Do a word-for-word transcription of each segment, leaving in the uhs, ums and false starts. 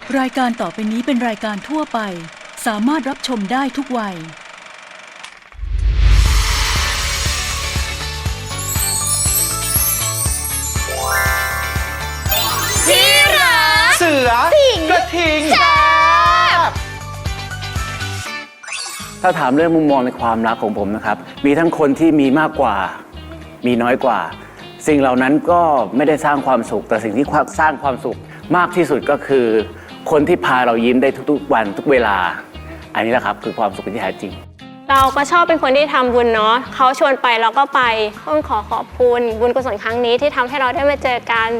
รายการต่อไปนี้เป็นรายการทั่วไปสามารถรับชมได้ทุกวัยที่รักเสือสิงกระทิงแซ่บถ้าถามเรื่องมุมมองในความรักของผมนะครับมีทั้งคนที่มีมากกว่ามีน้อยกว่าสิ่งเหล่านั้นก็ไม่ได้สร้างความสุขแต่สิ่งที่สร้างความสุขมากที่สุดก็คือคนที่พาเรายิ้มได้ทุกๆวันทุกเวลาอันนี้แหละครับคือความสุขที่แท้จริงเราก็ชอบเป็นคนที่ทำบุญเนาะเขาชวนไปเราก็ไปต้องขอขอบคุณบุญกุศลครั้งนี้ที่ทำให้เราได้มาเจอกัน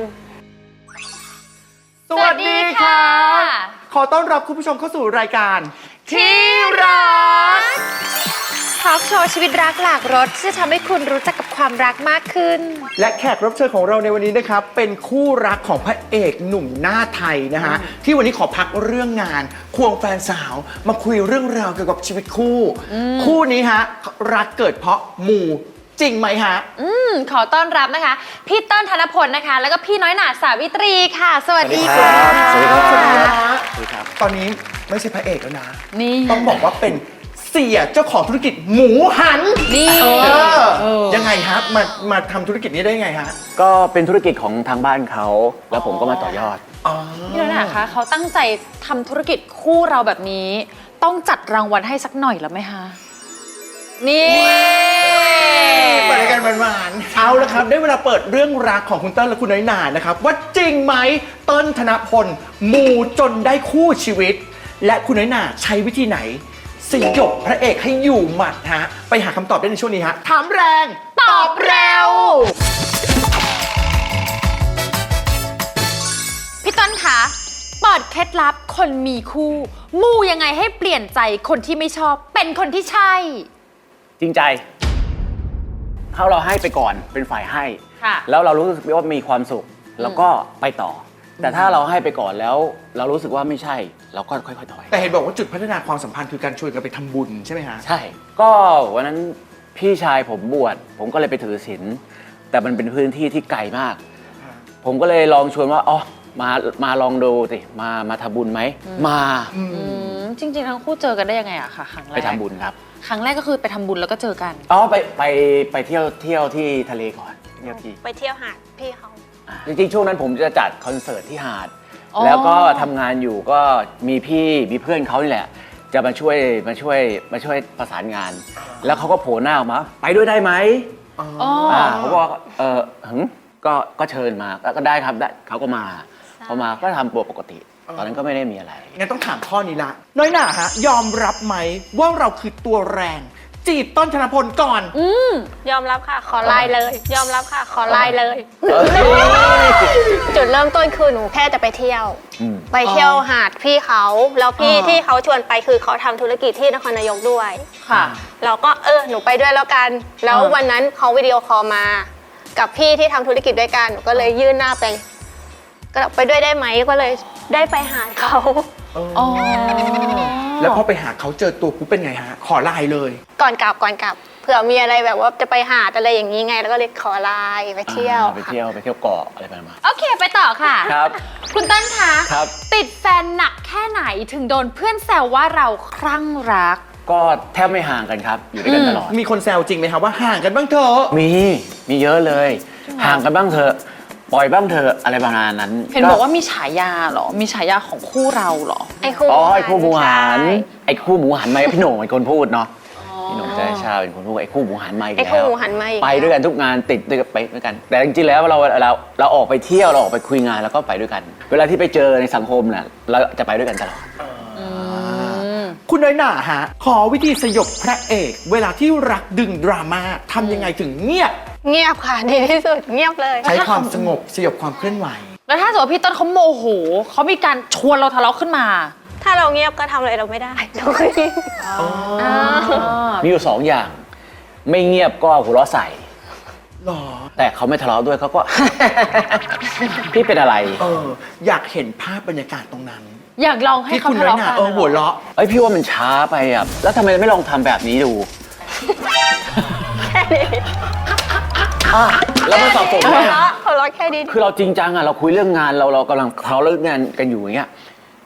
สวัสดีค่ะขอต้อนรับคุณผู้ชมเข้าสู่รายการที่รักทอล์กโชว์ชีวิตรักหลากรสที่จะทำให้คุณรู้จักกับความรักมากขึ้นและแขกรับเชิญของเราในวันนี้นะครับเป็นคู่รักของพระเอกหนุ่มหน้าไทยนะฮะที่วันนี้ขอพักเรื่องงานควงแฟนสาวมาคุยเรื่องราวเกี่ยวกับชีวิตคู่คู่นี้ฮะรักเกิดเพราะหมู่จริงไหมฮะอืมขอต้อนรับนะคะพี่เติ้ลธนพลนะคะแล้วก็พี่น้อยหนาสาวิตรีค่ะสวัสดีค่ะสวัสดีครับสวัสดีครับตอนนี้ไม่ใช่พระเอกแล้วนะนี่ต้องบอกว่าเป็นเสียเจ้าของธุรกิจหมูหันนี่ยังไงฮะมามาทำธุรกิจนี้ได้ยังไงฮะก็เป็นธุรกิจของทางบ้านเขาแล้วผมก็มาต่อยอดพี่น้อยหนาคะเขาตั้งใจทำธุรกิจคู่เราแบบนี้ต้องจัดรางวัลให้สักหน่อยแล้วไหมคะนี่เปิดกันหวานๆเอาละครับได้เวลาเปิดเรื่องรักของคุณเติ้ลและคุณน้อยหนานะครับว่าจริงไหมเติ้ลธนพลมูจนได้คู่ชีวิตและคุณน้อยหนาใช้วิธีไหนสยบพระเอกให้อยู่หมัดฮะไปหาคำตอบได้ในช่วงนี้ฮะถามแรงตอบเร็วพี่ต้นคะเปิดเคล็ดลับคนมีคู่มูยังไงให้เปลี่ยนใจคนที่ไม่ชอบเป็นคนที่ใช่จริงใจเขาเราให้ไปก่อนเป็นฝ่ายให้แล้วเรารู้สึกว่ามีความสุขแล้วก็ไปต่อแต่ถ้าเราให้ไปก่อนแล้วเรารู้สึกว่าไม่ใช่เราก็ค่อยๆถอยแต่เห็นบอกว่าจุดพัฒนาความสัมพันธ์คือการชวนกันไปทำบุญใช่ไหมฮะใช่ก็วันนั้นพี่ชายผมบวชผมก็เลยไปถือศีลแต่มันเป็นพื้นที่ที่ไกลมากผมก็เลยลองชวนว่าอ๋อมามาลองดูสิมามาทำบุญไหมมาจริงๆทั้งคู่เจอกันได้ยังไงอะคะครั้งแรกไปทำบุญครับครั้งแรกก็คือไปทำบุญแล้วก็เจอกันอ๋อไปไปไปเที่ยวเที่ยวที่ทะเลก่อนเที่ยวที่ไปเที่ยวหาดพี่เขาจริงๆช่วงนั้นผมจะจัดคอนเสิร์ตที่หาดแล้วก็ทำงานอยู่ก็มีพี่มีเพื่อนเขานี่แหละจะมาช่วยมาช่วยมาช่วยประสานงานแล้วเขาก็โผล่หน้าออกมาไปด้วยได้ไหมอ๋อเขาบอกเออหึก็ก็เชิญมาก็ได้ครับได้เขาก็มาพอมาก็ทำตัวปกติตอนนั้นก็ไม่ได้มีอะไรงั้นต้องถามข้อนี้ละน้อยหน่าฮะยอมรับไหมว่าเราคือตัวแรงจีบต้นธนพลก่อนอืมยอมรับค่ะขอไลน์เลยยอมรับค่ะขอไลน์เลยจุดเริ่มต้นคือหนูแค่จะไปเที่ยวไปเที่ยวหาดพี่เขาแล้วพี่ที่เขาชวนไปคือเขาทำธุรกิจที่นครนายกด้วยค่ะเราก็เออหนูไปด้วยแล้วกันแล้ววันนั้นเขาวิดีโอคอลมากับพี่ที่ทำธุรกิจด้วยกันหนูก็เลยยื่นหน้าไปก็ไปด้วยได้ไหมก็เลยได้ไปหาเขาอ๋อแล้วพอไปหาเขาเจอตัวปุ๊บเป็นไงฮะขอไลน์เลยก่อนกลับก่อนกลับเผื่อมีอะไรแบบว่าจะไปหาอะไรอย่างนี้ไงแล้วก็เลยขอไลน์ไปเที่ยวไปเที่ยวไปเที่ยวเกาะอะไรประมาณโอเคไปต่อค่ะครับคุณต้นคะครับติดแฟนหนักแค่ไหนถึงโดนเพื่อนแซวว่าเราคลั่งรักก็แทบไม่ห่างกันครับอยู่ด้วยกันตลอดมีคนแซวจริงไหมครับว่าห่างกันบ้างเถอะมีมีเยอะเลยห่างกันบ้างเถอะปล่อยบ้างเถอะอะไรประมาณนั้นเห็นบอกว่ามีฉายาเหรอมีฉายาของคู่เราเหรอไอ้คู่อ๋อไอ้คู่หมูหันไอ้คู่หมูหันมาพี่โหน่งเป็นคนพูดเนาะพี่โหน่งใจชาเป็นคนพูดไอ้คู่หมูหันมาอีกแล้วไอ้คู่หมูหันมาไปด้วยกันทุกงานติดด้วยกันไปด้วยกันแต่จริงๆแล้วเราเราเราออกไปเที่ยวเราออกไปคุยงานแล้วก็ไปด้วยกันเวลาที่ไปเจอในสังคมน่ะเราจะไปด้วยกันตลอดคุณน้อยหน่าฮะขอวิธีสยบพระเอกเวลาที่รักดึงดราม่าทำยังไงถึงเงียบเงียบค่ะดีที่สุดเงียบเลยใช้ความสงบสยบความเคลื่อนไหวแล้วถ้าสมมติพี่ต้นเขาโมโหเขามีการชวนเราทะเลาะขึ้นมาถ้าเราเงียบก็ทำอะไรเราไม่ได้เราก็เงียบมีอยู่สองอย่างไม่เงียบก็หัวเราะใส่หรอแต่เขาไม่ทะเลาะด้วยเขาก็ พี่เป็นอะไรเอออยากเห็นภาพบรรยากาศตรงนั้นอยากลองให้เขาทะเลาะกันเออหัวเราะเอ้ยพี่ว่ามันช้าไปอ่ะแล้วทำไมไม่ลองทำแบบนี้ดูแค่นี้แล้วมันสับสนไหมเขาล็อกแค่นี้คือเราจริงจังอ่ะเราคุยเรื่องงานเราเรากำลังทะเลาะเรื่องงานกันอยู่อย่างเงี้ย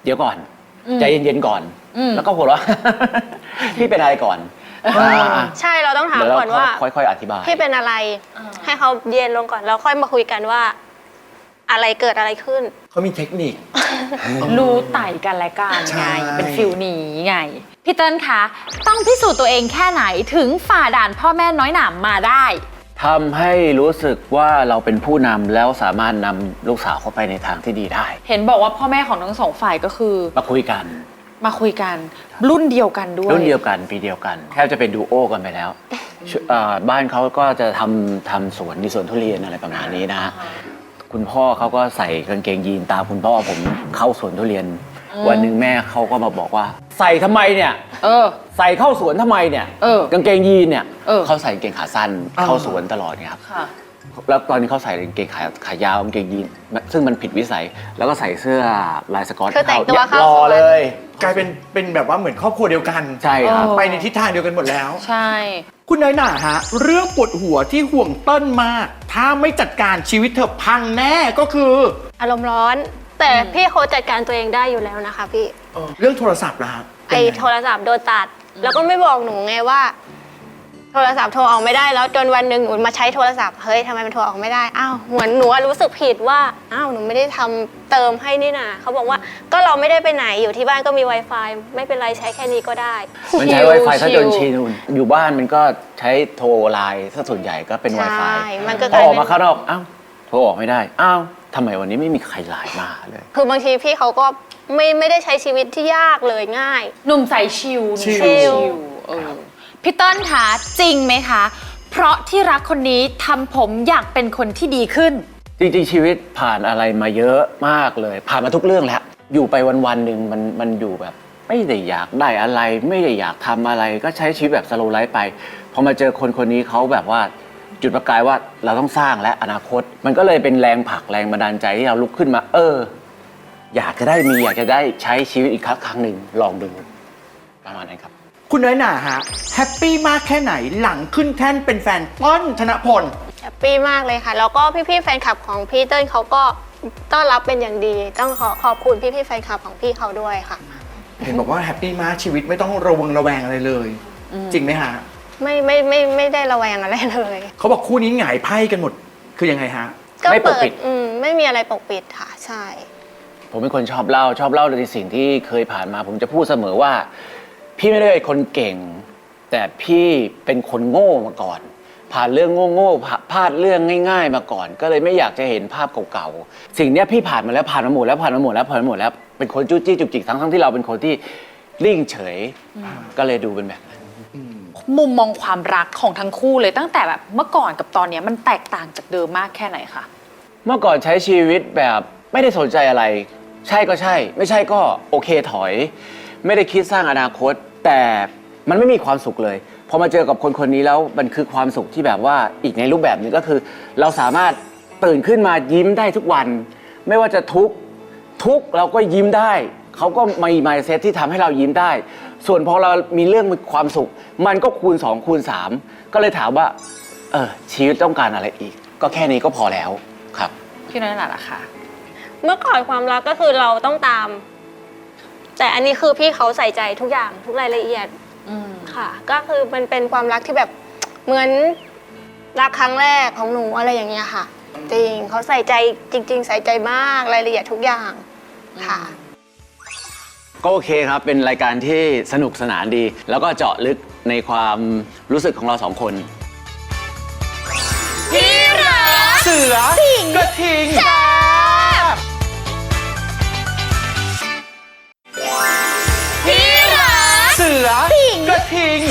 เดี๋ยวก่อนอืมใจเย็นๆก่อนอืมแล้วก็หัวเราะ พี่เป็นอะไรก่อนอ่าใช่เราต้องถามเดี๋ยวเราก่อนว่าค่อยๆอธิบายพี่เป็นอะไร ให้เขาเย็นลงก่อนแล้วค่อยมาคุยกันว่า อะไรเกิดอะไรขึ้นเขามีเทคนิครู้ไต่กันและกันใช่ไง เป็นฟิลนี้ไง พี่เติ้ลคะ ต้องพิสูจน์ตัวเองแค่ไหนถึงฝ่าด่านพ่อแม่น้อยหนามมาได้ทำให้รู้สึกว่าเราเป็นผู้นำแล้วสามารถนำลูกสาวเข้าไปในทางที่ดีได้เห็นบอกว่าพ่อแม่ของทั้งสองฝ่ายก็คือมาคุยกันมาคุยกันรุ่นเดียวกันด้วยรุ่นเดียวกันปีเดียวกันแทบจะเป็นดูโอกันไปแล้วชุเอ่อบ้านเขาก็จะทำทำสวนมีสวนทุเรียนอะไรประมาณนี้นะ คุณพ่อเขาก็ใส่กางเกงยีนตามคุณพ่อผมเข้าสวนทุเรียน วันหนึ่งแม่เขาก็มาบอกว่า ใส่ทำไมเนี่ยเออใส่เข้าสวนทำไมเนี่ยเออกางเกงยีนเนี่ยเออเขาใส่กางเกงขาสั้นอ่าเข้าสวนตลอดไงครับค่ะแล้วตอนนี้เขาใส่กางเกงขายขายาวกางเกงยีนซึ่งมันผิดวิสัย แล้วก็ใส่เสื้อลายสก๊อตคือแต่งตัวเข้าหล่อสวนเลยกลายเป็นเป็นแบบว่าเหมือนครอบครัวเดียวกันใช่ครับเออไปในทิศทางเดียวกันหมดแล้วใช่คุณน้อยหน่าฮะ เรื่องปวดหัวที่ห่วงเติ้ลมาก ถ้าไม่จัดการชีวิตเธอพังแน่ก็คืออารมณ์ร้อน แต่พี่เขาจัดการตัวเองได้อยู่แล้วนะคะพี่เออเรื่องโทรศัพท์ล่ะครับไอ้โทรศัพท์โดนตัด แล้วก็ไม่บอกหนูไงว่า โทรศัพท์โทรออกไม่ได้แล้วจนวันหนึ่งหนูมาใช้โทรศัพท์เฮ้ยทำไมมันโทรออกไม่ได้อ้าวเหมือนหนูอะรู้สึกผิดว่าอ้าวหนูไม่ได้ทำเติมให้นี่นาเขาบอกว่าก็เราไม่ได้ไปไหนอยู่ที่บ้านก็มี Wi-Fi ไม่เป็นไรใช้แค่นี้ก็ได้มันใช้ Wi-Fi ถ้าจนชินอยู่บ้านมันก็ใช้โทรไลน์ถ้าส่วนใหญ่ก็เป็นใช่ Wi-Fi มันก็พกอลายออกเป็นมาข้างนอกอ้าวโทรออกไม่ได้อ้าวทำไมวันนี้ไม่มีใครไลน์มาเลยคือบางทีพี่เขาก็ไม่ไม่ได้ใช้ชีวิตที่ยากเลยง่ายหนุ่มใส่ชิลชิลชิลเออพี่เติ้ลคะจริงไหมคะ เพราะที่รักคนนี้ทำผมอยากเป็นคนที่ดีขึ้นจริงๆชีวิตผ่านอะไรมาเยอะมากเลย ผ่านมาทุกเรื่องแล้วอยู่ไปวันๆหนึ่งมันมันอยู่แบบ ไม่ได้อยากได้อะไร ไม่ได้อยากทำอะไร ก็ใช้ชีวิตแบบสโลว์ไลฟ์ไปพอมาเจอคนคนนี้เขาแบบว่าจุดประกายว่าเราต้องสร้างและอนาคต มันก็เลยเป็นแรงผลักแรงบันดาลใจที่เราลุกขึ้นมา เออ อยากจะได้มีอยากจะได้ใช้ชีวิตอีกครั้งครั้งหนึ่งลองดูประมาณนั้นครับคุณน้อยหน่าฮะแฮปปี้มากแค่ไหนหลังขึ้นแท่นเป็นแฟนเติ้ลธนพลแฮปปี้มากเลยค่ะ แล้วก็พี่ๆแฟนคลับของพี่เติ้ลเขาก็ต้อนรับเป็นอย่างดี ต้องขอขอบคุณพี่ๆแฟนคลับของพี่เขาด้วยค่ะเห็นบอกว่าแฮปปี้มากชีวิตไม่ต้องระวังระแวงอะไรเลย จริงไหมฮะไม่ไม่ไม่ไม่ได้ระแวงอะไรเลยเขาบอกคู่นี้หงายไพ่กันหมดคือยังไงฮะก็ไม่ปกเปิปิดดอืมไม่มีอะไรปกปิดค่ะ ใช่ผมเป็นคนชอบเล่าชอบเล่าในสิ่งที่เคยผ่านมา ผมจะพูดเสมอว่า พี่ไม่ได้เป็นคนเก่ง แต่พี่เป็นคนโง่มาก่อน ผ่านเรื่องโง่ๆผ่าพลาดเรื่องง่าย ๆ มาก่อน ก็เลยไม่อยากจะเห็นภาพเก่าๆสิ่งเนี้ยพี่ผ่านมาแล้วผ่านมาหมดแล้วผ่านมาหมดแล้วผ่านมาหมดแล้วเป็นคนจู้จี้จุกจิกทั้งๆที่เราเป็นคนที่ริ่งเฉย ก็เลยดูเป็นแบบนั้นมุมมองความรักของทั้งคู่เลยตั้งแต่แบบเมื่อก่อนกับตอนเนี้ยมันแตกต่างจากเดิมมากแค่ไหนคะเมื่อก่อนใช้ชีวิตแบบไม่ได้สนใจอะไร ใช่ก็ใช่ ไม่ใช่ก็โอเคถอย ไม่ได้คิดสร้างอนาคต แต่มันไม่มีความสุขเลยพอมาเจอกับคนคนนี้แล้วมันคือความสุขที่แบบว่าอีกในรูปแบบหนึงก็คือ เราสามารถตื่นขึ้นมายิ้มได้ทุกวัน ไม่ว่าจะทุกข์ทุกข์เราก็ยิ้มได้เขาก็มี mindset ที่ทำให้เรายิ้มได้ ส่วนพอเรามีเรื่องมีความสุข มันก็คูณสองคูณสามก็เลยถามว่าเออชีวิตต้องการอะไรอีก ก็แค่นี้ก็พอแล้วครับพี่น้อยหน่าล่ะคะเมื่อก่อนความรักก็คือเราต้องตาม แต่อันนี้คือพี่เขาใส่ใจทุกอย่างทุกรายละเอียดอืมค่ะ ก็คือมันเป็นความรักที่แบบเหมือนรักครั้งแรกของหนูอะไรอย่างเงี้ยค่ะ จริงเขาใส่ใจจริง ๆ ใส่ใจมากรายละเอียดทุกอย่างค่ะก็โอเคครับ เป็นรายการที่สนุกสนานดี แล้วก็เจาะลึกในความรู้สึกของเราสองคนพี่รักเสือ กระทิงพี่รักเสือ กระทิง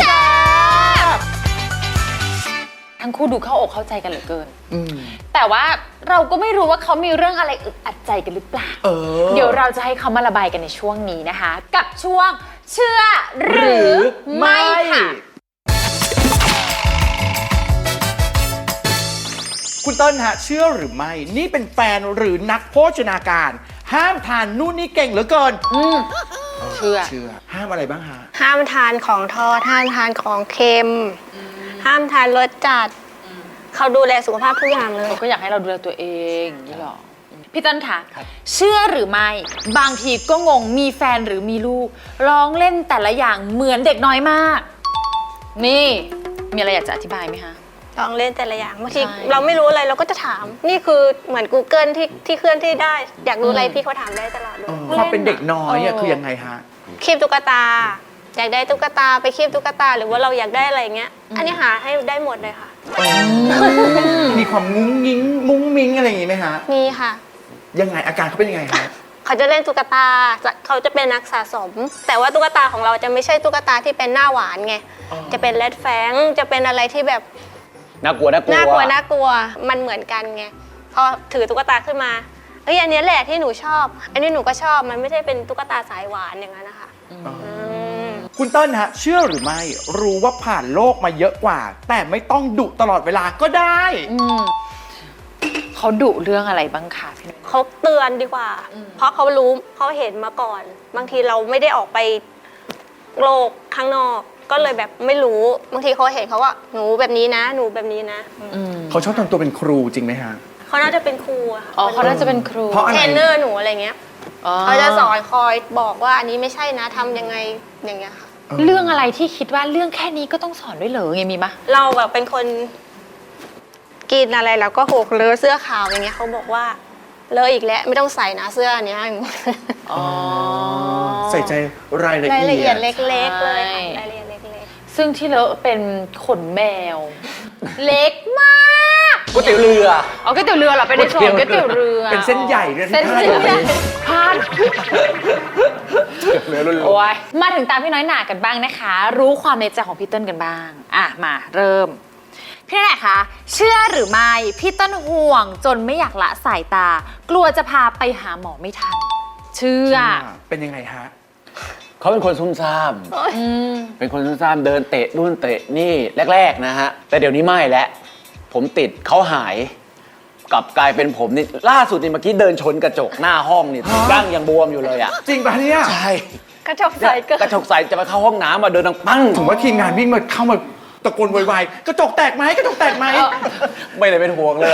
ทั้งคู่ดูเข้าอกเข้าใจกันเหลือเกิน แต่ว่าเราก็ไม่รู้ว่าเขามีเรื่องอะไรอึดอัดใจกันหรือเปล่าเออเดี๋ยวเราจะให้เขามาระบายกันในช่วงนี้นะคะ กับช่วงเชื่อหรือไม่ค่ะคุณเต้นฮะเชื่อหรือไม่ นี่เป็นแฟนหรือนักโภชนาการ ห้ามทานนู่นนี่เก่งเหลือเกินอืมเชื่อเชื่อ ห้ามอะไรบ้างฮะห้ามทานของทอดห้ามทานของเค็ม ห้ามทานรสจัดเขาดูแลสุขภาพทุกอย่างเลยเขาก็อยากให้เราดูแลตัวเองอย่างนี่หรอพี่ต้นค่ะ เชื่อหรือไม่บางทีก็งงมีแฟนหรือมีลูกร้องเล่นแต่ละอย่างเหมือนเด็กน้อยมาก นี่มีอะไรอยากจะอธิบายไหมคะลองเล่นแต่ละอย่างบางทีใช่เราไม่รู้อะไรเราก็จะถาม นี่คือเหมือน Google ที่ที่เคลื่อนที่ได้ อยากรู้อะไรพี่เขาถามได้ตลอดเลยความเป็นเด็กน้อยอะคือยังไงฮะคีบตุ๊กตา อยากได้ตุ๊กตาไปคีบตุ๊กตา หรือว่าเราอยากได้อะไรเงี้ย อันนี้หาให้ได้หมดเลยค่ะมีความงุ้งงิ้งมุ้งมิ้งอะไรอย่างงี้ไหมฮะมีค่ะยังไงอาการเขาเป็นยังไงฮะเขาจะเล่นตุ๊กตาจะเขาจะเป็นนักสะสม แต่ว่าตุ๊กตาของเราจะไม่ใช่ตุ๊กตาที่เป็นหน้าหวานไงอ๋อจะเป็นเลดแฟงจะเป็นอะไรที่แบบน่ากลัวน่ากลัวน่ากลัวน่ากลัวมันเหมือนกันไงพอถือตุ๊กตาขึ้นมาเอ้ยอันเนี้ยแหละที่หนูชอบ อันนี้หนูก็ชอบมันไม่ใช่เป็นตุ๊กตาสายหวานอย่างนั้นนะคะมคุณเติ้ลฮะ เชื่อหรือไม่รู้ว่าผ่านโลกมาเยอะกว่า แต่ไม่ต้องดุตลอดเวลาก็ได้อืมเขาดุเรื่องอะไรบ้างคะพี่นุ้ยเขาเตือนดีกว่า เพราะเขารู้เขาเห็นมาก่อน บางทีเราไม่ได้ออกไปโลกข้างนอก ก็เลยแบบไม่รู้บางทีเขาเห็นเขาว่าหนูแบบนี้นะ หนูแบบนี้นะอืมเขาชอบทำตัวเป็นครูจริงไหมฮะเขาน่าจะเป็นครูอะค่ะอ๋อเขาน่าจะเป็นครูเพราะอะไรเทรนเนอร์หนูอะไรเงี้ยอ๋อเขาจะสอนคอยบอกว่าอันนี้ไม่ใช่นะทำยังไงอย่างเงี้ยค่ะเรื่องอะไรที่คิดว่าเรื่องแค่นี้ก็ต้องสอนด้วยเหรอไงมีมะเราแบบเป็นคนกินอะไรแล้วก็หกเลอะเสื้อขาวอย่างเงี้ยเขาบอกว่าเลอะอีกแล้วไม่ต้องใส่นะเสื้ออันเนี้ยอ๋อใส่ใจรายละรายละเอีเอียยดดเล็กๆเลยใช่ค่ะรายละเอียดเล็กซึ่งที่เลอะเป็นขนแมว เล็กมากก๋วยเตี๋ยวเรือเอาก๋วยเตี๋ยวเรือเหรอเป็นในส่วนของก๋วยเตี๋ยวเรือเป็นเส้นใหญ่ด้วยที่เส้นพาดใหอยู่ญ่พลาดเรือรุ่นโอ้ยมาถึงตามพี่น้อยหนากันบ้างนะคะ รู้ความในใจของพี่เติ้ลกันบ้างอ่ะมาเริ่มพี่น้อยหนาคะเชื่อหรือไม่พี่เติ้ลห่วงจนไม่อยากละสายตา กลัวจะพาไปหาหมอไม่ทัน เชื่อเป็นยังไงฮะเขาเป็นคนซุ่มซ่ามอืมเป็นคนซุ่มซ่ามเดินเตะนู่นเตะนี่แรกๆนะฮะ แต่เดี๋ยวนี้ไม่แล้ว ผมติดเขาหาย กลับกลายเป็นผมนี่ล่าสุดนี่เมื่อกี้เดินชนกระจกหน้าห้องนี่ฮะดั้งยังบวมอยู่เลยอ่ะจริงปะเนี่ยใช่ๆกระจกใสเกินกระจกใสจะไปเข้าห้องน้ำมาเดินดังปั้งถึงว่าทีมงานวิ่งมาเข้ามาตะโกนโวยวายกระจกแตกไหมกระจกแตกไหมไม่ได้เป็นห่วงเลย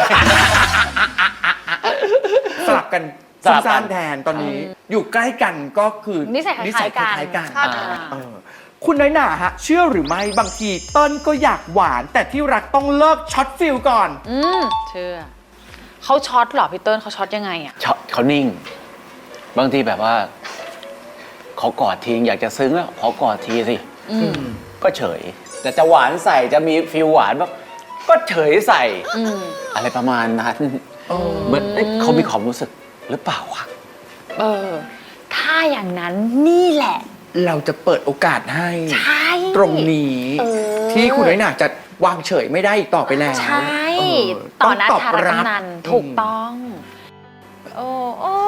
สลับกันสซุ่ลัมบกันซ่ามแทนตอนนี้ อยู่ใกล้กันก็คือนิสัยคล้ายๆกันคล้ายๆกันอ่าเออคุณน้อยหน่าฮะ เชื่อหรือไม่บางทีเติ้ลก็อยากหวาน แต่ที่รักต้องเลิกช็อตฟิลก่อนอืมเชื่อเขาช็อตเหรอพี่เติ้ลเขาช็อตยังไงอ่ะเขาเขานิ่ง บางทีแบบว่าเขากอดทีอยากจะซึ้งแล้วขอกอดทีสิอืมก็เฉย แต่จะหวานใส่จะมีฟิลหวานแบบก็เฉยใส่อืมอะไรประมาณนั้นเหมือนเอ๊ะเขามีความรู้สึกหรือเปล่าวะเออ ถ้าอย่างนั้นนี่แหละเราจะเปิดโอกาสให้ใช่ตรงนี้เออที่คุณน้อยหน่าจะวางเฉยไม่ได้อีกต่อไปแล้วใช่เออต่อหน้าตอบธารรับกำนันถูกต้อง โอ้โอ้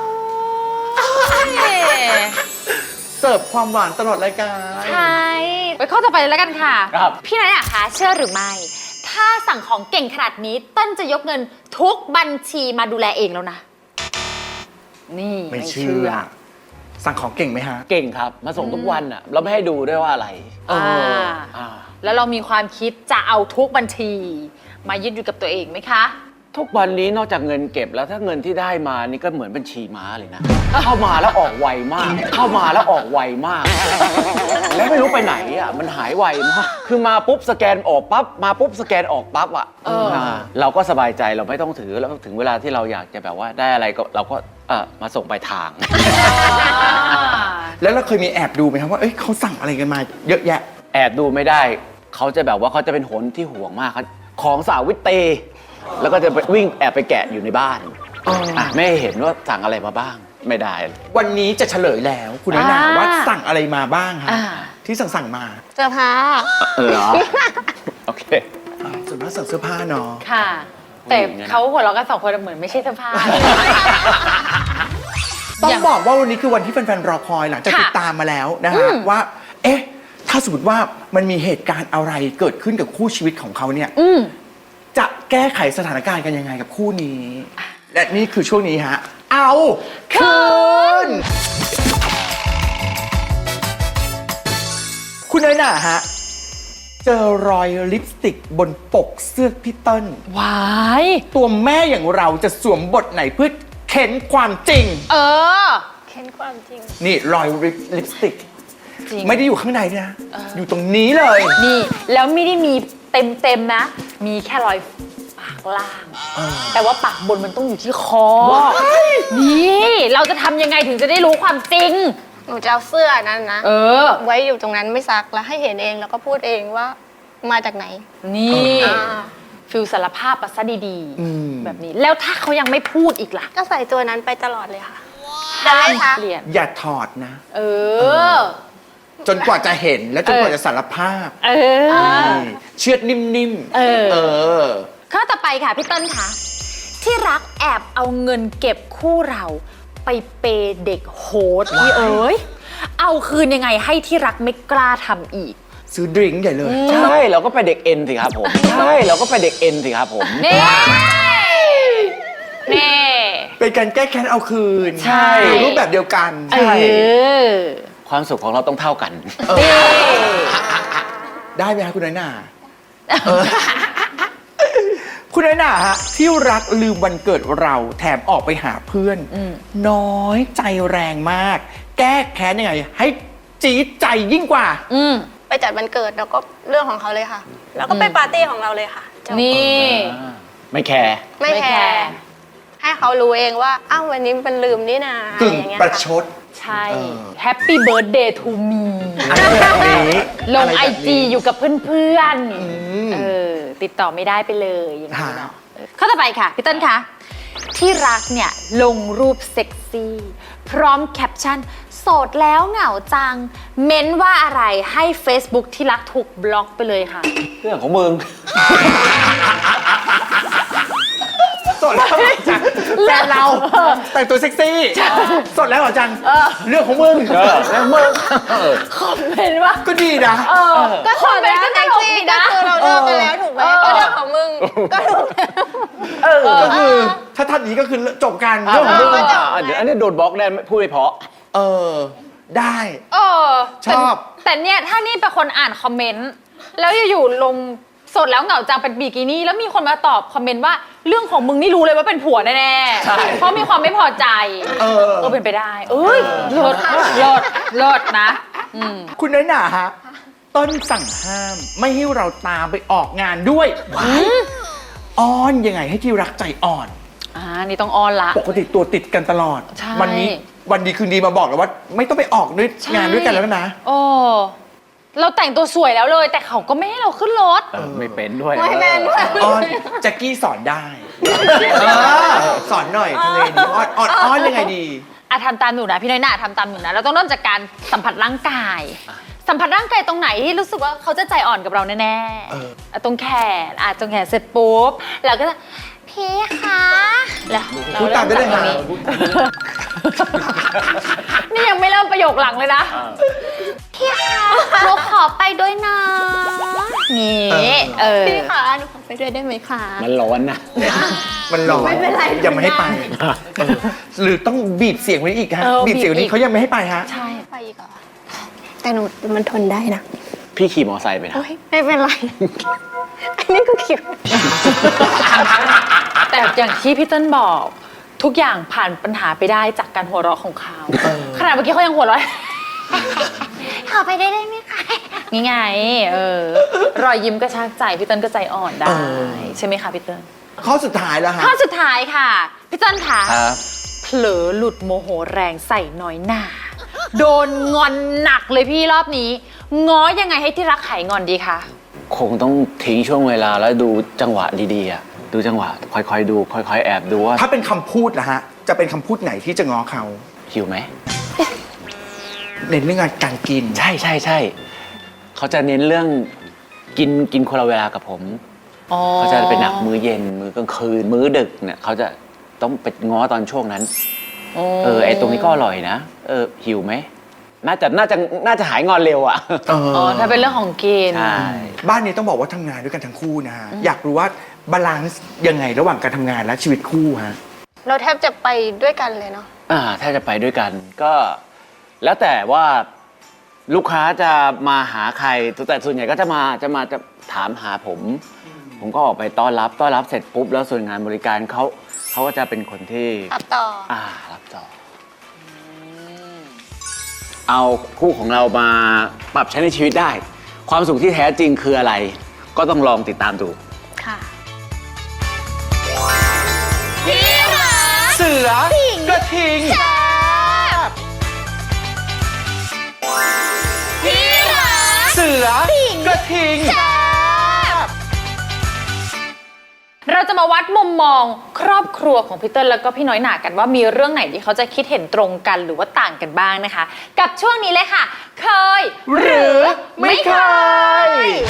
ยเสิร์ฟความหวานตลอดรายการใช่ไปข้อต่อไปเลยแล้วกันค่ะครับพี่น้อยอะคะเชื่อหรือไม่ ถ้าสั่งของเก่งขนาดนี้เต้นจะยกเงินทุกบัญชีมาดูแลเองแล้วนะ นี่ไม่เชื่อ สั่งของเก่งไหมฮะเก่งครับ มาส่งทุกวันอ่ะ เราไม่ให้ดูด้วยว่าอะไรอ่าอ่าแล้วเรามีความคิดจะเอาทุกบัญชี มายึดอยู่กับตัวเองไหมคะทุกวันนี้นอกจากเงินเก็บแล้วถ้าเงินที่ได้มานี่ก็เหมือนบัญชีม้าเลยนะ เข้ามาแล้วออกไวมาก เข้ามาแล้วออกไวมาก แล้วไม่รู้ไปไหนอ่ะมันหายไวมากคือมาปุ๊บสแกนออกปั๊บมาปุ๊บสแกนออกปั๊บอ่ะเอออ่าเราก็สบายใจเราไม่ต้องถือแล้วถึงเวลาที่เราอยากจะแบบว่าได้อะไรก็เราก็เออมาส่งไปลายทางแล้วเราเคยมีแอบดูไหมครับว่า เอ้ยเขาสั่งอะไรกันมาเยอะแยะแอบดูไม่ได้ เขาจะแบบว่าเขาจะเป็นหนที่ห่วงมากเขาของสาววิตเต แล้วก็จะไปวิ่งแอบไปแกะอยู่ในบ้านอ๋ออ่ะไม่ให้เห็นว่าสั่งอะไรมาบ้าง ไม่ได้วันนี้จะเฉลยแล้ว คุณน้อยหนาอ่าว่าสั่งอะไรมาบ้างฮะอ่าที่สั่งสั่งมาเสื้อผ้าเออเหรอ โอเคอ่าส่วนมากสั่งเสื้อผ้าเนาะค่ะ แต่ผู้หญิงเนี่ยนะเขาหัวเราะกันสองคนเหมือนไม่ใช่เสื้อผ้าเลยต้ออย่าง งบอกว่าวันนี้คือวันที่แฟนๆรอคอยหลังจากค่ะติดตามมาแล้วนะอืฮะมว่า เอ๊ะ ถ้าสมมติว่ามันมีเหตุการณ์อะไรเกิดขึ้นกับคู่ชีวิตของเขาเนี่ยอืมจะแก้ไขสถานการณ์กันยังไงกับคู่นี้ และนี่คือช่วงนี้ฮะ เอาคืน คุณน้อยหน่าฮะ เจอรอยลิปสติกบนปกเสื้อพี่เติ้ลวายตัวแม่อย่างเราจะสวมบทไหนเพื่อเข็นความจริงเออเค้นความจริงนี่รอยลิปสติกจริงไม่ได้อยู่ข้างในด้วยนะ อยู่ตรงนี้เลยนี่แล้วไม่ได้มีเต็มเต็มๆนะ มีแค่รอยปากล่าง แต่ว่าปากบนมันต้องอยู่ที่คอ นี่เราจะทำยังไงถึงจะได้รู้ความจริงหนูจะเอาเสื้อนั้นนะเออไว้อยู่ตรงนั้นไม่ซักแล้วให้เห็นเองแล้วก็พูดเองว่ามาจากไหนนี่อ่าฟิลสารภาพปัสซะดีอืมๆ แบบนี้ แล้วถ้าเขายังไม่พูดอีกล่ะก็ใส่ตัวนั้นไปตลอดเลยค่ะแต่ไม่ซักเปลี่ยนอย่าถอดนะเออจนกว่าจะเห็นและจนกว่าจะสารภาพเออนี่เชือดนิ่มๆเออเออข้อต่อไปค่ะพี่ต้นคะที่รักแอบเอาเงินเก็บคู่เราไปเปย์เด็กโหดพี่เอ๋ยเอาคืนยังไงให้ที่รักไม่กล้าทำอีกซื้อดริงก์ใหญ่เลยใช่เราก็ไปเด็กเอ็นสิครับผม ใช่เราก็ไปเด็กเอ็นสิครับผมเน่เน่เป็นการแก้แค้นเอาคืนใช่รูปแบบเดียวกันเออความสุขของเราต้องเท่ากันเออเน่ได้ไหมคะคุณน้อยหน่าเออ คุณน้อยหน่าฮะที่รักลืมวันเกิดเราแถมออกไปหาเพื่อน น้อยใจแรงมาก แก้แค้นยังไง ให้จี๊ดใจยิ่งกว่าอืมไปจัดวันเกิดแล้วก็เรื่องของเขาเลยค่ะ แล้วก็ไปปาร์ตี้ของเราเลยค่ะจบนี่ไม่แคร์ไม่ไม่แคแคร์ร์ให้เขารู้เองว่าอ้าววันนี้มันลืมนี่นาอะกึ่ไรง อย่างเงี้ยประค่ะชดใช่เออแฮปปี้เบิร์ดเดย์ทูมีอะไรแบบนี้ลงะรไอแบบจีนี้อยู่กับเพื่อนอืมๆ เออ ติดต่อไม่ได้ไปเลยอย่างนี้ฮะเนาะเออข้อต่อไปค่ะ พี่ต้นคะ ที่รักเนี่ย ลงรูปเซ็กซี่ พร้อมแคปชั่น โสดแล้วเหงาจัง เม้นว่าอะไรให้ Facebook ที่รักถูกบล็อกไปเลยค่ะเรื่องของมึงสดแล้วเหรอจังแฟนเราแต่งตัวเซ็กซี่สดแล้วเหรอจังเรื่องของมึงเออแล้วมึงคอมเมนต์ว่าก็ดีนะเออก็คถออมดเมนแล้วต์ก็ตแท็กลกซี่ดีก็นะคือเราเลิกกันแล้วถูกไหมก็เรื่องของมึงก็ถูกแล้วเออก็คือถ้าท่านนี้ก็คือจบกันเรื่องของเอมึองก็จบอ่ะเดี๋ยวอันนี้โดนบล็อกแน่พูดไม่เพราะเออ ได้เออชอบแต่แต่เนี่ยถ้านี่เป็นคนอ่านคอมเมนต์แล้วอยู่ๆลงสดแล้วเหงาจังเป็นบิกินี่แล้วมีคนมาตอบคอมเมนต์ว่าเรื่องของมึงนี่รู้เลยว่าเป็นผัวแน่ๆเพราะมีความไม่พอใจเออเออเป็นไปได้ เอ้ยเลิศเลิศเลิศนะอืมคุณน้อยหน่าฮะ ต้นสั่งห้ามไม่ให้เราตามไปออกงานด้วยอ้อนยังไงให้ที่รักใจอ่อนอ่านี่ต้องออนละปกติตัวติดกันตลอดใช่วันนี้วันดีคืนดีมาบอกแล้วว่า ไม่ต้องไปออกด้วยงานด้วยกันแล้วนะโอ้เราแต่งตัวสวยแล้วเลย แต่เขาก็ไม่ให้เราขึ้นรถเออไม่เป็นด้วยไม่เป็นด้วยอ้อนแจ็คกี้สอนได้เออสอนหน่อยทำไงดีอ้อนอ้อนอ้อนยังไงดีอ่ะทำตามหนูนะพี่น้อยหน่าทำตามหนูนะเราต้องเริ่มจากการสัมผัสร่างกาย สัมผัสร่างกายตรงไหนที่รู้สึกว่าเขาจะใจอ่อนกับเราแน่เออๆอ่ะตรงแขนอ่ะตรงแขนเสร็จปุ๊บเราก็จะพี่คะแล้วเราพูดตามได้เลยริ่ฮะจกตรงนี้นี่ยังไม่เริ่มประโยคหลังเลยนะพี่คะหนูขอไปด้วยนะนี่เออพี่คะหนูขอไปด้วยได้ไหมคะมันร้อนนะมันร้อนไม่เป็นไรยังไม่ให้ไปเออหรือต้องบีบเสียงไว้อีกฮะเออบีบเสียงบีบอีนี้กเขายังไม่ให้ไปฮะใช่ไปอีกเหรอแต่หนูมันทนได้นะพี่ขี่มอไซค์ไปนะโอ๊ยไม่เป็นไร อันนี้ก็คิดแต่อย่างที่พี่เต้นบอก ทุกอย่างผ่านปัญหาไปได้จากการหัวเราะของเขาขนาดเมื่อกี้เขายังหัวเราะ ขอไปได้ได้ไหมคะนี่ไงเออรอยยิ้มก็ชากใจพี่เต้นก็ใจอ่อนได้เออใช่ไหมคะพี่เต้นข้อสุดท้ายแล้วฮะข้อสุดท้ายค่ะพี่เต้นค่ะครับเผลอหลุดโมโหแรงใส่น้อยหน้า โดนงอนหนักเลยพี่รอบนี้ ง้อยังไงให้ที่รักหายงอนดีคะคงต้องทิ้งช่วงเวลาแล้วดูจังหวะดีๆอ่ะดูจังหวะค่อยๆดู ค่อยๆแอบดูว่าถ้าเป็นคำพูดนะฮะ จะเป็นคำพูดไหนที่จะง้อเขาหิวไหมเน้นเรื่องการกินใช่ใช่ใช่เขาจะเน้นเรื่องกินกินคนละเวลากับผมอ๋อเขาจะเป็นหนักมื้อเย็นมื้อกลางคืน มื้อดึกเนี่ยเขาจะต้องไปง้อตอนช่วงนั้น เออไอตรงนี้ก็อร่อยนะเออหิวไหมน่าจะน่าจะน่าจะหายงอนเร็วอ่ะเอออ๋อถ้าเป็นเรื่องของกินใช่บ้านนี้ต้องบอกว่าทำงานด้วยกันทั้งคู่นะฮะ อยากรู้ว่าบาลานซ์ยังไงระหว่างการทำงานและชีวิตคู่ฮะเราแทบจะไปด้วยกันเลยเนาะอ่าถ้าจะไปด้วยกันก็ แล้วแต่ว่าลูกค้าจะมาหาใครแต่ส่วนใหญ่ก็จะมาจะมาจะถามหาผม ผมก็ออกไปต้อนรับต้อนรับเสร็จปุ๊บแล้วส่วนงานบริการเขาเขาก็จะเป็นคนที่รับต่ออ่ารับต่อเอาคู่ของเรามาปรับใช้ในชีวิตได้ ความสุขที่แท้จริงคืออะไร ก็ต้องลองติดตามดูค่ะเสือกระทิง เสือกระทิงเราจะมาวัดมุมมองครอบครัวของพี่เติ้ลแล้วก็พี่น้อยหนากันว่ามีเรื่องไหนที่เขาจะคิดเห็นตรงกันหรือว่าต่างกันบ้างนะคะ กับช่วงนี้เลยค่ะ เคยหรือไม่เคย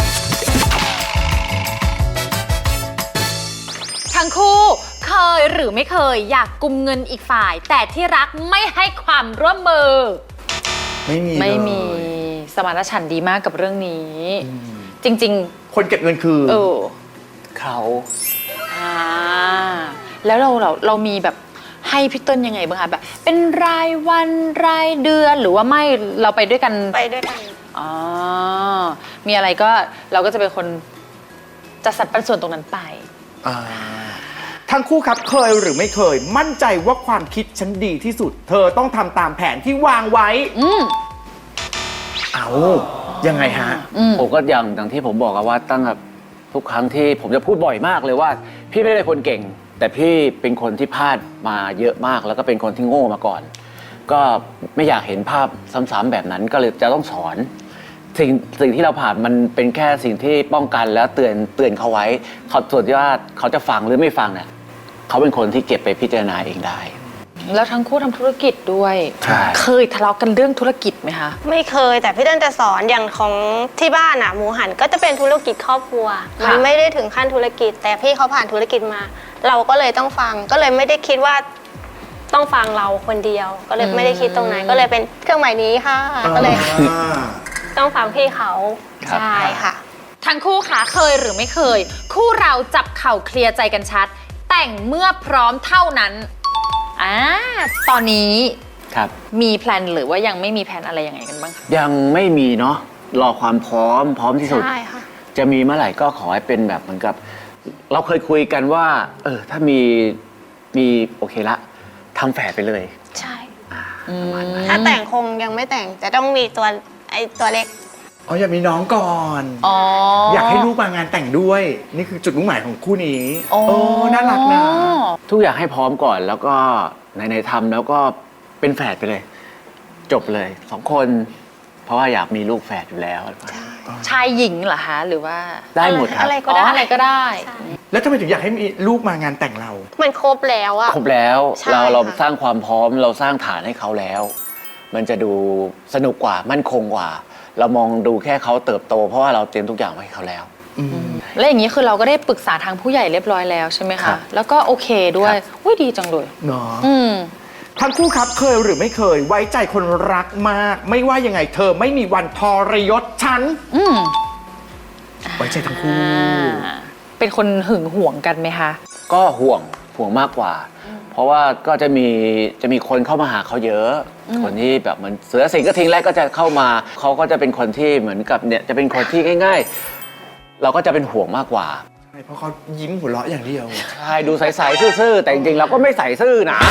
ทั้งคู่เคยหรือไม่เคยอยากกุมเงินอีกฝ่าย แต่ที่รักไม่ให้ความร่วมมือไม่มีไม่มีเลยสมานฉันท์ดีมากกับเรื่องนี้ จริงคนเก็บเงินคือๆ เออเขาอ่าแล้วเราเราเรามีแบบให้พี่เติ้ลยังไงบ้างคะแบบเป็นรายวันรายเดือนหรือว่าไม่เราไปด้วยกันไปด้วยกันอ๋อมีอะไรก็เราก็จะเป็นคนจัดสรรปันส่วนตรงนั้นไปอ่าทั้งคู่ครับเคยหรือไม่เคย มั่นใจว่าความคิดฉันดีที่สุด เธอต้องทำตามแผนที่วางไว้อืมเอายังไงฮะอืมผมก็อย่างอย่างที่ผมบอกอะว่าตั้งแต่ทุกครั้งที่ผมจะพูดบ่อยมากเลยว่า พี่ไม่ได้เป็นคนเก่ง แต่พี่เป็นคนที่พลาดมาเยอะมากแล้วก็เป็นคนที่โง่มาก่อน ก็ไม่อยากเห็นภาพซ้ำๆแบบนั้นก็เลยจะต้องสอน สิ่งสิ่งที่เราผ่านมันเป็นแค่สิ่งที่ป้องกันแล้วเตือนเตือนเขาไว้เขาส่วนที่ว่าเขาจะฟังหรือไม่ฟังเนี่ยเขาเป็นคนที่เก็บไปพิจารณาเองได้แล้วทั้งคู่ทำธุรกิจด้วยใช่เคยทะเลาะกันเรื่องธุรกิจไหมคะไม่เคยแต่พี่เติ้ลจะสอนอย่างของที่บ้านอ่ะหมูหันก็จะเป็นธุรกิจครอบครัวค่ะมันไม่ได้ถึงขั้นธุรกิจ แต่พี่เขาผ่านธุรกิจมา เราก็เลยต้องฟังก็เลยไม่ได้คิดว่าต้องฟังเราคนเดียว ก็เลยไม่ได้คิดตรงนั้นก็เลยเป็นเครื่องหมายนี้ค่ะก็เลยต้องฟังพี่เขาครับใช่ค่ะทั้งคู่ขาเคยหรือไม่เคย คู่เราจับเข่าเคลียร์ใจกันชัด แต่งเมื่อพร้อมเท่านั้นอ่าตอนนี้ครับมีแพลนหรือว่ายังไม่มีแพลนอะไรยังไงกันบ้างคะยังไม่มีเนาะรอความพร้อมพร้อมที่สุดใช่ค่ะจะมีเมื่อไหร่ก็ขอให้เป็นแบบเหมือนกับ เราเคยคุยกันว่า เออ ถ้ามีมีโอเคละทำแฝดไปเลยใช่อืมถ้าแต่งคงยังไม่แต่งแต่ต้องมีตัวไอตัวเล็กอ๋ออยากมีน้องก่อนอ๋อออยากให้ลูกมางานแต่งด้วย นี่คือจุดมุ่งหมายของคู่นี้โอ้โอ้น่ารักนะทุกอย่างให้พร้อมก่อนแล้วก็ในในทำแล้วก็เป็นแฝดไปเลย จบเลยสองคน เพราะว่าอยากมีลูกแฝดอยู่แล้วชายหญิงเหรอคะหรือว่าได้หมดครับอะไรก็ก็ได้ได้อะไรก็ได้ใช่แล้วทำไมถึงอยากให้มีลูกมางานแต่งเรามันครบแล้วอะครบแล้วใช่เราเราค่ะสร้างความพร้อมเราสร้างฐานให้เขาแล้ว มันจะดูสนุกกว่ามั่นคงกว่า เรามองดูแค่เขาเติบโต เพราะว่าเราเตรียมทุกอย่างไว้ให้เขาแล้วแล้วอย่างนี้คือเราก็ได้ปรึกษาทางผู้ใหญ่เรียบร้อยแล้วใช่ไหมครัคะบแล้วก็โอเคด้วยครับอุ้ยดีจังเลยเนาะอืมทั้งคู่ครับเคยหรือไม่เคย ไว้ใจคนรักมาก ไม่ว่ายังไงเธอไม่มีวันทรยศฉันอืมไว้ใจทั้งคู่อ่าเป็นคนหึงหวงกันไหมคะก็ห่วงห่วงมากกว่า เพราะว่าก็จะมีจะมีคนเข้ามาหาเขาเยอะ คนที่แบบเหมือนเสือสิงกระทิงแรกก็จะเข้ามาเขาก็จะเป็นคนที่เหมือนกับเนี่ยจะเป็นคนที่ง่าย ๆ เราก็จะเป็นห่วงมากกว่าใช่เพราะเขายิ้มหัวเราะอย่างเดียวใช่ดูใสๆซื่อๆแต่จริงๆเราก็ไม่ใสซื่อนะ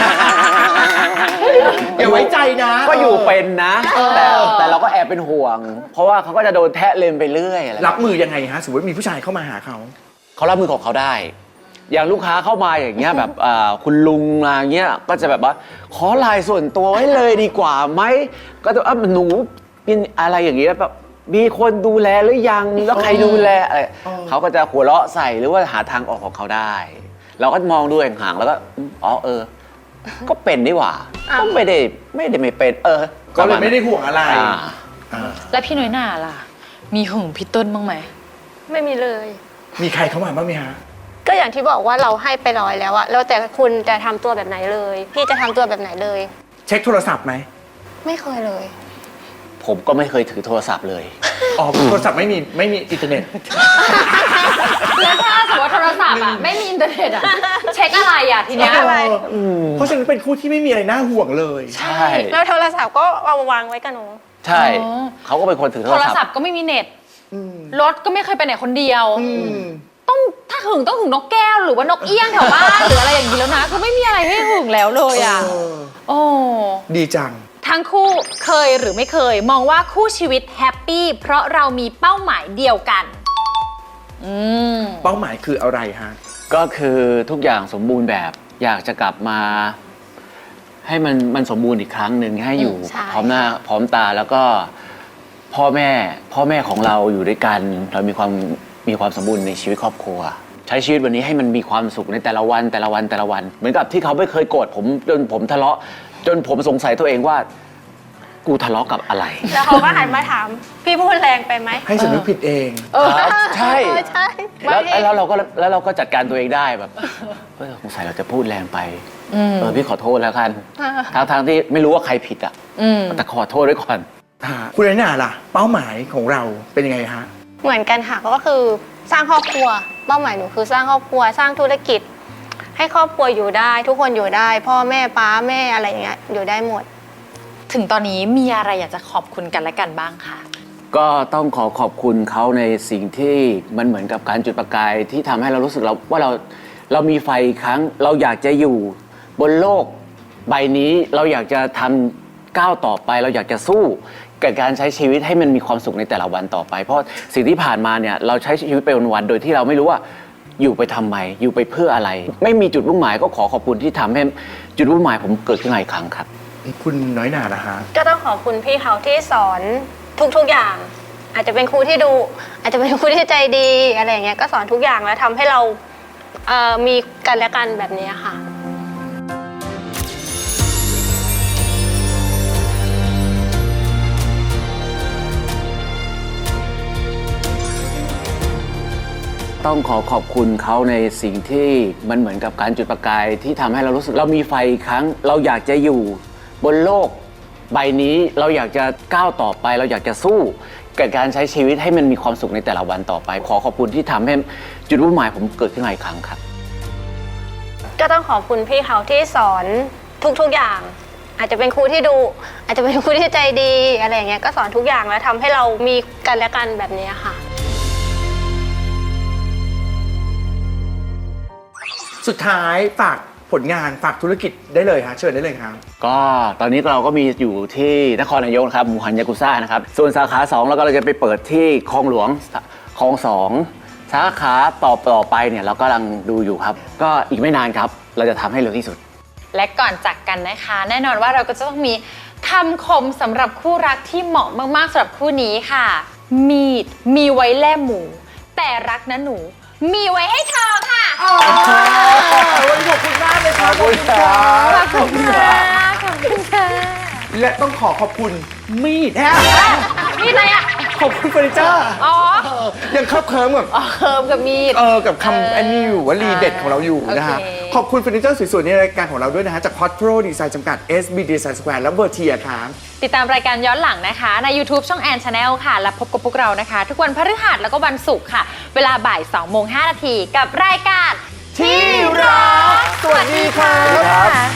อย่าไว้ใจนะก็อยู่เป็นนะ แต่แต่เราก็แอบเป็นห่วง เพราะว่าเขาก็จะโดนแทะเลมไปเรื่อยอะไรรับมือยังไงฮะสมมติมีผู้ชายเข้ามาหาเขาเขารับมือของเขาได้ อย่างลูกค้าเข้ามาอย่างเงี้ยแบบอ่าคุณลุงมาเงี้ยก็จะแบบว่าขอไลน์ส่วนตัวไว้เลยดีกว่าไหมก็จะอ่ะหนูเป็นอะไรอย่างเงี้ยแบบมีคนดูแลหรือยังแล้วใครดูแลอะไรเขาก็จะหัวเราะใส่หรือว่าหาทางออกของเขาได้ เราก็มองดูห่างๆแล้วก็อ๋อเออ ก็เป็นนี่หว่าก็ไม่ได้ไม่ได้ไม่เป็น เออก็เลยไม่ได้ห่วงอะไรอ่าอ่าแล้วพี่น้อยหน่าล่ะ มีหึงพี่เต้นบ้างไหมไม่มีเลยมีใครเข้ามาบ้างไหมฮะก็อย่างที่บอกว่าเราให้ไปร้อยแล้วอะแล้วแต่คุณจะทำตัวแบบไหนเลย พี่จะทำตัวแบบไหนเลยเช็คโทรศัพท์ไหมไม่เคยเลยผมก็ไม่เคยถือโทรศัพท์เลยอ๋อโทรศัพท์ไม่มีไม่มีอินเทอร์เน็ตแล้วถ้าสมมติว่าโทรศัพท์อ่ะไม่มีอินเทอร์เน็ตอ่ะเช็คอะไรอ่ะทีเนี้ยเช็คอะไรเพราะฉะนั้นเป็นคู่ที่ไม่มีอะไรน่าห่วงเลยใช่แล้วโทรศัพท์ก็เอาวางไว้กับหนูใช่อ๋อเขาก็เป็นคนถือโทโทรรศัพท์ศัพท์ก็ไม่มีเน็ตอืมรถก็ไม่เคยไปไหนคนเดียวอืมต้องถ้าหึงต้องหึงนกแก้วหรือว่านกเอี้ยงแถวบ้านหรืออะไรอย่างนี้แล้วนะคือไม่มีอะไรให้หึงแล้วเลยอ่ะเออโอ้ดีจังทั้งคู่เคยหรือไม่เคย มองว่าคู่ชีวิตแฮปปี้เพราะเรามีเป้าหมายเดียวกัน อืมเป้าหมายคืออะไรฮะก็คือทุกอย่างสมบูรณ์แบบ อยากจะกลับมา ให้มันมันสมบูรณ์อีกครั้งหนึ่งให้อยู่ใช่พร้อมหน้าพร้อมตาแล้วก็พ่อแม่พ่อแม่ของเราอยู่ด้วยกัน เรามีความมีความสมบูรณ์ในชีวิตครอบครัว ใช้ชีวิตวันนี้ให้มันมีความสุขในแต่ละวันแต่ละวันแต่ละวัน เหมือนกับที่เขาไม่เคยโกรธผมจนผมทะเลาะ จนผมสงสัยตัวเองว่ากูทะเลาะกับอะไรแล้วเขาก็หันมาถาม พี่พูดแรงไปไหมให้สำนึกผิดเองครับใช่เออใช่แล้วบางทีแล้วเราก็แล้วเราก็จัดการตัวเองได้แบบเฮ้ยสงสัยเราจะพูดแรงไปเออพี่ขอโทษแล้วกันทางทางๆที่ไม่รู้ว่าใครผิดอ่ะอืมแต่ขอโทษไว้ก่อนอ่าคุณน้อยหน่าล่ะ เป้าหมายของเราเป็นยังไงฮะเหมือนกันค่ะก็คือสร้างครอบครัวเป้าหมายหนูคือสร้างครอบครัวสร้างธุรกิจ ให้ครอบครัวอยู่ได้ ทุกคนอยู่ได้ พ่อแม่ป้าแม่อะไรอย่างเงี้ยอยู่ได้หมดถึงตอนนี้มีอะไรอยากจะขอบคุณกันและกันบ้างคะก็ต้องขอขอบคุณเขาในสิ่งที่มันเหมือนกับการจุดประกายที่ทำให้เรารู้สึกเราว่าเราเรามีไฟอีกครั้ง เราอยากจะอยู่บนโลกใบนี้เราอยากจะทำก้าวต่อไป เราอยากจะสู้กับการใช้ชีวิตให้มันมีความสุขในแต่ละวันต่อไป เพราะสิ่งที่ผ่านมาเนี่ยเราใช้ชีวิตไปวันๆโดยที่เราไม่รู้ว่าอยู่ไปทำไมอยู่ไปเพื่ออะไร ไม่มีจุดมุ่งหมายก็ขอขอบคุณที่ทำให้จุดมุ่งหมายผมเกิดขึ้นมาอีกครั้งครับคุณน้อยหน่าล่ะฮะก็ต้องขอบคุณพี่เขาที่สอนทุกๆอย่าง อาจจะเป็นครูที่ดูอาจจะเป็นครูที่ใจดีอะไรอย่างเงี้ยก็สอนทุกอย่างแล้วทำให้เราเอ่อมีกันและกันแบบนี้ค่ะต้องขอขอบคุณเขาในสิ่งที่มันเหมือนกับการจุดประกายที่ทำให้เรารู้สึกเรามีไฟอีกครั้ง เราอยากจะอยู่บนโลกใบนี้เราอยากจะก้าวต่อไป เราอยากจะสู้กับการใช้ชีวิตให้มันมีความสุขในแต่ละวันต่อไป ขอขอบคุณที่ทำให้จุดมุ่งหมายผมเกิดขึ้นมาอีกครั้งครับก็ต้องขอบคุณพี่เขาที่สอนทุกๆอย่าง อาจจะเป็นครูที่ดูอาจจะเป็นครูที่ใจดีอะไรอย่างเงี้ยก็สอนทุกอย่างแล้วทำให้เรามีกันและกันแบบนี้ค่ะสุดท้ายฝากผลงานฝากธุรกิจได้เลยฮะเชิญได้เลยครับก็ตอนนี้เราก็มีอยู่ที่นครนายกนะครับหมู่หันยากุซ่านะครับส่วนสาขาสองเราก็เราจะไปเปิดที่คลองหลวงคลองสองสาขาต่อต่อไปเนี่ยเรากำลังดูอยู่ครับ ก็อีกไม่นานครับเราจะทำให้เร็วที่สุดและก่อนจากกันนะคะ แน่นอนว่าเราก็จะต้องมีคำคมสำหรับคู่รักที่เหมาะมากๆสำหรับคู่นี้ค่ะ มีดมีไว้แล่หมู แต่รักนะหนู มีไว้ให้เธอค่ะวันนี้ขอบคุณมากเลยครับขอบคุณครับขอบคุณค่ะขอบคุณค่ะและต้องขอขอบคุณมีดฮะมีอะไรอ่ะขอบคุณเฟอร์นิเจอร์อ๋อเออยังคับเคิร์มกับอ๋อเคิร์มกับมีดเออกับเออคำอันนี้อยู่วลีเด็ดของเราอยู่นะฮะโอเคขอบคุณเฟอร์นิเจอร์สวยๆในรายการของเราด้วยนะฮะ จาก Quattro Design จำกัด เอส บี Design Square และ Vertier ครับติดตามรายการย้อนหลังนะคะ ใน YouTube ช่องแอนชาแนลค่ะ และพบกับพวกเรานะคะ ทุกวันพฤหัสแล้วก็วันศุกร์ค่ะ เวลาบ่าย2โมงห้านาทีกับรายการที่รักสวัสดีครับสวัสดีค่ะ